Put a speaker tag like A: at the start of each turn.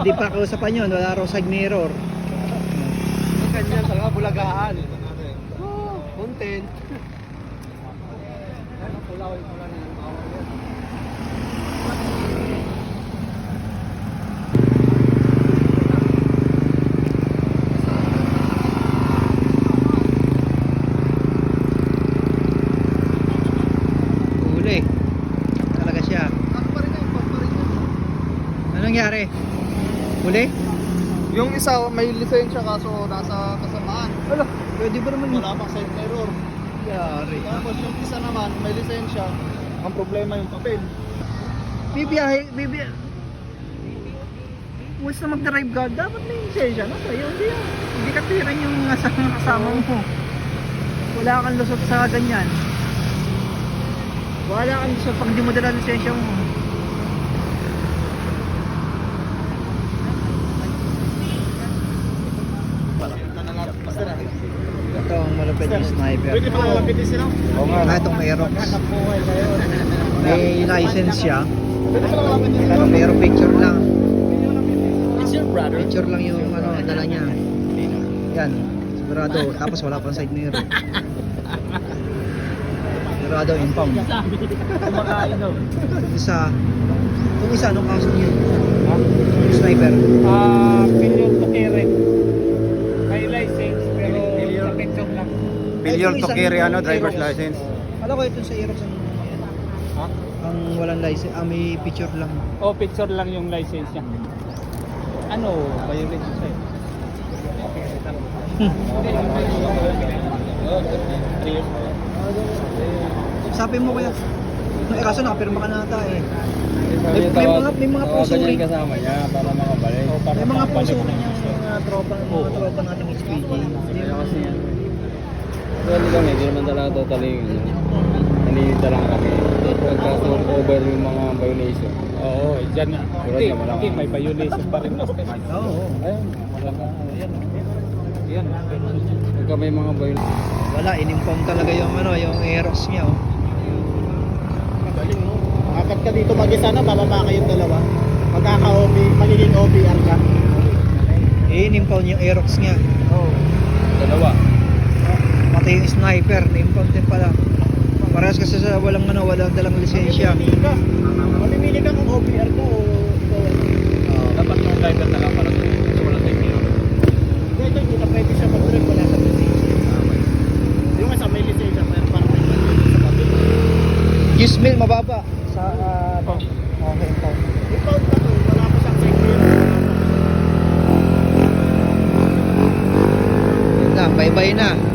A: pwede pa kausapan yun, wala raw side mirror.
B: Ganyan talaga, bulagaan. Content.
A: Huli. Talaga siya. Anong nangyari? Huli?
B: Yung isa may lisensya kaso nasa kasamaan.
A: Wala. Pwede ba naman yun?
B: Wala pang side mirror.
A: Yari.
B: Tapos yung isa naman may lisensya. Ang problema yung papel.
A: Bibiyahe. Once na mag-drive ka, dapat may lisensya na sa'yo. Hindi ka tiran yung kasama mo. Wala kang lusot sa ganyan. Wala kang lusot pag hindi mo dala lisensya mo. Ito ang malapit yung sniper.
B: Pwede pala lapitin sila.
A: Oo nga. Itong Aerox. May license siya.
B: Pwede pala lapitin sila.
A: Pero mayroong picture lang.
B: It's your brother.
A: Picture lang yung ano, dala niya. Yan. Sigurado. Tapos wala pang side mirror. Sigurado impound.
B: Kumakain daw.
A: Yung isa, anong kaso niya? Yung sniper.
B: Failure to carry. May license pero sa picture lang.
C: Failure to carry driver's license.
A: Alam ko ito sa Aerox ang walang license. May picture lang.
D: Oh, picture lang yung license niya. Ano, violation sa'yo?
A: Sabi mo kaya. Kaso nakapirma ka na ata eh. May mga pusuri.
C: kasama niya para makabalik.
A: May mga pusuri niyang mga tropa nating SPG. Hindi mo kasi yan.
C: Well, kami, hindi naman talaga totally nalilita lang kami. Pagka-turn over yung mga violation.
D: Oo, dyan na.
C: Tulad naman ako.
D: Hindi, may violation pa rin.
A: Oo.
C: Ayun, wala ka.
D: Yan.
C: Pagka may mga violation.
A: Wala, in-inform talaga yung yung Aerox niya oh.
B: Magaling no. Akat ka dito mag-isa na, bababa kayong dalawa. Magkaka-OB, magiging OBR ka.
A: In-inform yung Aerox niya.
B: Oo.
C: Dalawa.
A: Pati yung sniper, in-inform din pala. Parehas kasi sa walang dalang lisensya.
B: Mamimili ka kung OBR ka o ikaw.
D: Dapat yung driver na lang para sa walang time mirror.
B: Ito hindi na pwede siya mag-drive wala sa lisensya. Yung isa may lisensya pero parang may lisensya sa papel.
A: Gismil, mababa. Sa okay, impound.
B: Impound ka to, wala pa siyang side mirror.
A: Yun lang, bye-bye na.